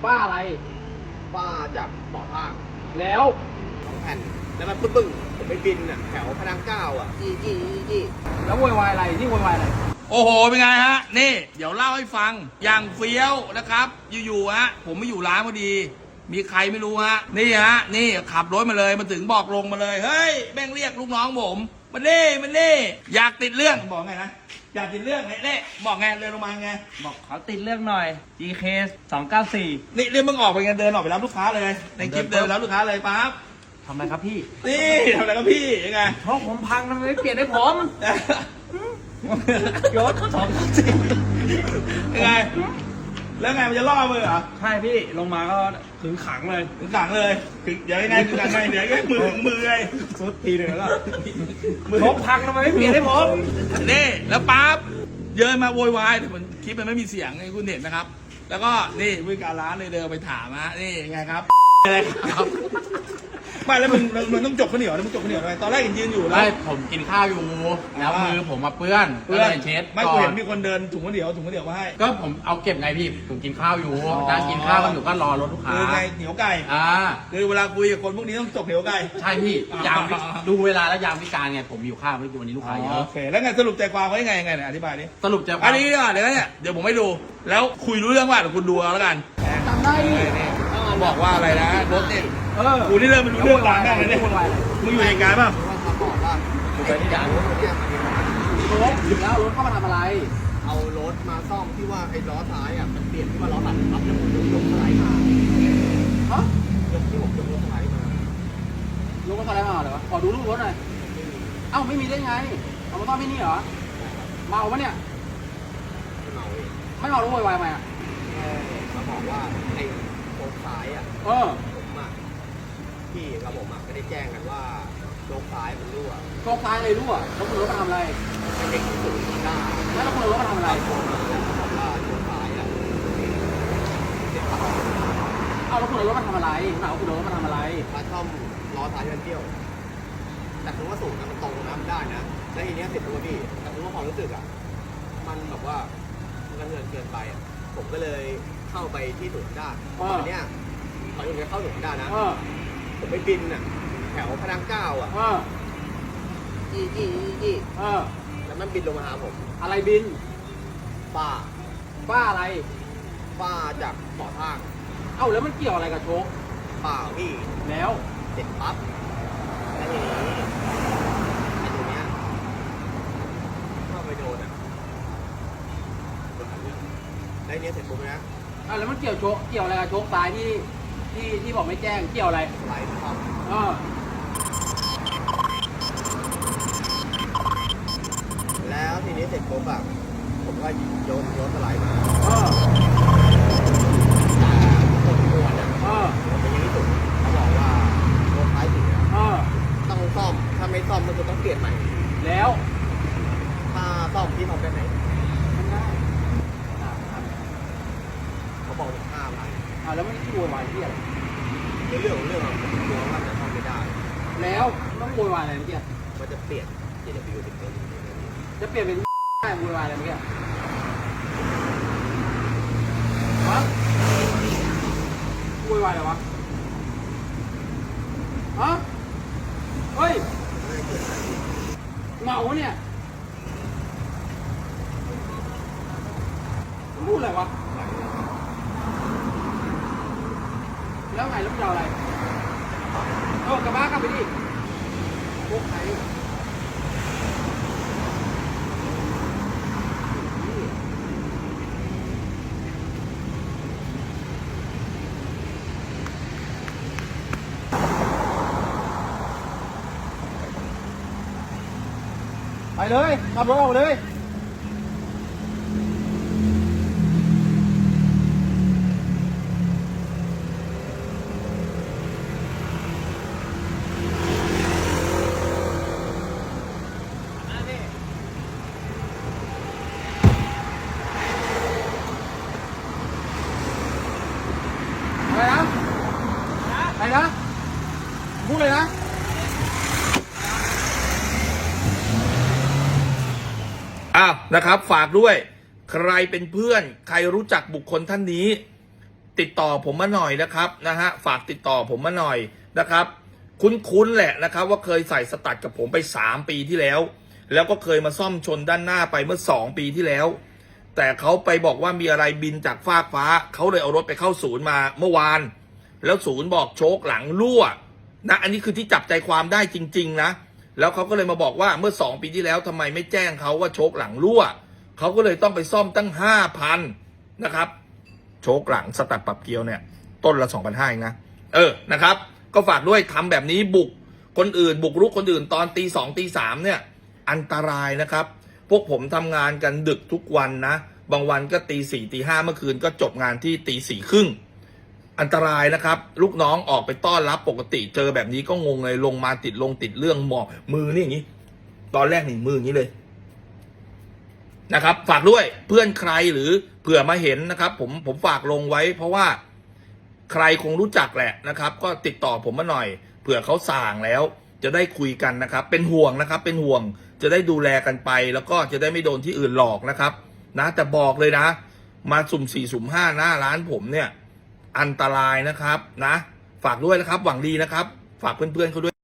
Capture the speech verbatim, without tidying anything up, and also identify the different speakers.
Speaker 1: ป้าอะไร
Speaker 2: ป้าจากบ่อทาง
Speaker 1: แล้ว
Speaker 2: สองแผ่นแล้วมันปึ้งปึ้งผมไปบินอ่ะแถวพระรามเก้าอ่ะจี้จี้จี้
Speaker 1: แล้วโวยวายอะไรนี่โวยวายอะไร
Speaker 3: โอ้โหเป็นไงฮะนี่เดี๋ยวเล่าให้ฟังอย่างเฟี้ยวนะครับอยู่ๆฮะผมไม่อยู่ร้านพอดีมีใครไม่รู้ฮะนี่ฮะนี่ขับรถมาเลยมาถึงบอกลงมาเลยเฮ้ยแม่งเรียกลูกน้องผมมาเน่มาเน่อยากติดเรื่องบอกไงนะอยากติดเรื่องไงเน่บอกไงเดินลงมาไง
Speaker 1: บอกเขาติดเรื่องหน่อย จี เค สองเก้าสี่
Speaker 3: นี่เรื่องมึงออกไปไงเดินออกไปรับลูกค้าเลยในคลิปเดินไปรับลูกค้าเลยปั๊บ
Speaker 1: ทำอะไรครับพี่
Speaker 3: นี่ทำอะไรครับพี่ยังไง
Speaker 1: เพราะผมพังทำไมไม่เปลี่ยนให้ผม
Speaker 3: ยศสองสี่ยังไงแล้วไงมันจะล่อมือเหรอ
Speaker 1: ใช่พี่ลงมาก็ถึงขังเลย
Speaker 3: ถึงขังเลยถึงเดี๋ยวยังไงถึงขังไงเดี๋ยวก็มือถึงมือไง
Speaker 1: สุดทีหนึ่งแล้วก็มือผมพังทำไมไม่เปลี่ยนให้ผม
Speaker 3: นี่แล้วปั๊บเยินมาโวยวายแต่มันคลิปมันไม่มีเสียงไงคุณเห็นนะครับแล้วก็นี่บริการร้านเลยเดินไปถามฮะนี่ไงครับอะไรครับไม่แล้วมึงมึงต้องจบข้าวเหนียวแล้วมึงจบข้าวเหนียวทำไมตอนแรกเห็นยืนอยู่แล้ว
Speaker 1: ไม่ผมกินข้าวอยู่แล้วมือผมมาเปื้อน
Speaker 3: เปื้อนเช็ดไม่กูเห็นมีคนเดินถุงข้าวเหนียวถุงข้าวเหนียวมาให้
Speaker 1: ก็ผมเอาเก็บไงพี่ผมกินข้าวอยู่นั่งกินข้าวกันอยู่ก็รอรถลูกค้า
Speaker 3: คือไงเหนียวไก่
Speaker 1: อ่า
Speaker 3: คือเวลาคุยกับคนพวกนี้ต้องจบเหนียวไก่
Speaker 1: ใช่พี่ยามดูเวลาแล้วยามวิการไงผมอยู่ข้าวไม่ดูวันนี้ลูกค้าเยอะ
Speaker 3: โอเคแล้วไงสรุปใจความว่ายังไงไงเนี่ยอธิบายดิ
Speaker 1: สรุปใจความ
Speaker 3: อันนี้เดี๋ยวเนี่ยเดี๋ยวผมให้ดูแล้วคุยรู้เรื่องว่าเดี๋ยวคุณดูเอาแล้วกัน
Speaker 1: จำได้
Speaker 3: บอกว่าอะไรนะรถเนี่ยกูนี่เริ่มไม่รู้เรื่องร้านแม่เลยเนี่ยมึงอยู่ในงานป่ะ
Speaker 2: กูไปที่ด่านรถเนี่ยมาดี
Speaker 1: รถถึงแล้วรถเข้ามาทำอะไร
Speaker 2: เอารถมาซ่อมที่ว่าไอ้ล้อซ้ายอ่ะมันเปลี่ยนที่ว่าล้อหลังครับแล้วผมยกยกสไลด์มา
Speaker 1: ฮะ
Speaker 2: ยกที่ผมยกรถสไลด์มาย
Speaker 1: กรถสไลด์มาเหรอขอดูรูปรถหน่อยเอ้าไม่มีได้ไงเอามาซ่อมที่นี่เหรอเมาปะเนี่ย
Speaker 2: ไม่เมาเอง
Speaker 1: ไม่เมาแล้วโวยวายไหมอ่ะ
Speaker 2: เขาบอกว่าไอ้โค้งซ้ายอ่ะ
Speaker 1: เออ
Speaker 2: ผมอ่ะพี่กับผมอ่ะไม่ได้แจ้งกันว่าโค้งซ้ายมันรั่ว
Speaker 1: โค้งซ้ายเลยรั่วแล้วคุณรถมาทำอะไร
Speaker 2: ไม่ได้สูงหน้า
Speaker 1: แล้วคุณรถมาทำอะไร
Speaker 2: โค้งว่าโค้งซ้ายอ่ะ
Speaker 1: เอาแล้วคุณรถมาทำอะไรเอาคุณรถมาทำอะไร
Speaker 2: มาซ่อมล้อซ้ายมันเบี้ยวแต่คือว่าสูงนะมันตรงนะมันได้นะแล้วทีนี้เสร็จตัวพี่แต่คือว่าความรู้สึกอ่ะมันแบบว่ามันเงินเกินไปอ่ะผมก็เลยเข้าไปที่ศูนย์ได้ตอนเนี้ยตอนนี้เข้าศูนย์ได้นะผมไปบินอ่ะแถวพระรามเก้าอ่ะจี้จี้จี้แล้วมันบินลงมาหาผม
Speaker 1: อะไรบิน
Speaker 2: ป้า
Speaker 1: ป้าอะไร
Speaker 2: ป้าจากบ่อทาง
Speaker 1: เอ้าแล้วมันเกี่ยวอะไรกับโชค
Speaker 2: เปล่าพี่
Speaker 1: แล้ว
Speaker 2: เสร็จปั๊บแล้วทีนี้ไอ้ตัวเนี้ยเข้าไปโดนอ่ะโดนหันเรื่องแล้วเนี้ยเสร็จปุ๊บนะ
Speaker 1: อ่ะแล้วมันเกี่ยวโชคเกี่ยวอะไรกับโชคซ้ายที่ที่ที่บอกไม่แจ้งเกี่ยวอะไร
Speaker 2: สไลด์ครับ
Speaker 1: เออ
Speaker 2: แล้วทีนี้เสร็จปุ๊บแบบผมก็โยนโยนสไลด์มา
Speaker 1: เออ
Speaker 2: แต่คนควรอ่ะ
Speaker 1: เออ
Speaker 2: ผมเป็นยังที่สุดเขาบอกว่าโดนท้ายเสีย
Speaker 1: เออ
Speaker 2: ต้องซ่อมถ้าไม่ซ่อมมันจะต้องเปลี่ยนใหม่
Speaker 1: แล้ว
Speaker 2: ถ้าซ่อมที่ทำได้ไหน
Speaker 1: ไม่ได้
Speaker 2: เขาบอกถึงห้าพัน
Speaker 1: อ่าแล้วมันโวยวายที่อะไร
Speaker 2: ในเรื่องของเรื่องผมกลัวว่าจะซ่อมไม่ได้
Speaker 1: แล้วต้องโวยวายอะไรเมื่อกี้
Speaker 2: มันจะเปลี่ยน เจ ดับเบิลยู เป็น
Speaker 1: จะเปลี่ยนเป็นได้โวยวายอะไรเมื่อกี้ฮะโวยวายอะไรวะฮะเฮ้ยเมาเนี่ยพูดอะไรวะแล้วไงแล้วมึงจะเอาอะไรเออกลับบ้านกลับไปดิพวกใครไปเลยขับรถออกเลยอะไรนะอะไรนะพูดเลยนะ
Speaker 3: อ้าวนะครับฝากด้วยใครเป็นเพื่อนใครรู้จักบุคคลท่านนี้ติดต่อผมมาหน่อยนะครับนะฮะฝากติดต่อผมมาหน่อยนะครับ คุ้นๆแหละนะครับว่าเคยใส่สตัดกับผมไปสามปีที่แล้วแล้วก็เคยมาซ่อมชนด้านหน้าไปเมื่อสองปีที่แล้วแต่เขาไปบอกว่ามีอะไรบินจากฟากฟ้าเขาเลยเอารถไปเข้าศูนย์มาเมื่อวานแล้วศูนย์บอกโชคหลังรั่วนะอันนี้คือที่จับใจความได้จริงๆนะแล้วเขาก็เลยมาบอกว่าเมื่อสองปีที่แล้วทำไมไม่แจ้งเขาว่าโชคหลังรั่วเขาก็เลยต้องไปซ่อมตั้งห้าพันนะครับโชคหลังสตัดปรับเกียวเนี่ยต้นละสองพันห้าเองนะเออนะครับก็ฝากด้วยทำแบบนี้บุกคนอื่นบุกรุกคนอื่นตอนตีสองตีสามเนี่ยอันตรายนะครับพวกผมทำงานกันดึกทุกวันนะบางวันก็ตีสี่ตีห้าเมื่อคืนก็จบงานที่ตีสี่ครึ่งอันตรายนะครับลูกน้องออกไปต้อนรับปกติเจอแบบนี้ก็งงเลยลงมาติดลงติดเรื่องหมอมือนี่อย่างนี้ตอนแรกหนึ่งมืออย่างนี้เลยนะครับฝากด้วยเพื่อนใครหรือเผื่อมาเห็นนะครับผมผมฝากลงไว้เพราะว่าใครคงรู้จักแหละนะครับก็ติดต่อผมมาหน่อยเผื่อเขาสั่งแล้วจะได้คุยกันนะครับเป็นห่วงนะครับเป็นห่วงจะได้ดูแลกันไปแล้วก็จะได้ไม่โดนที่อื่นหลอกนะครับนะแต่บอกเลยนะมาสุ่มสี่สุ่มห้าหน้าร้านผมเนี่ยอันตรายนะครับนะฝากด้วยนะครับหวังดีนะครับฝากเพื่อนๆเขาด้วย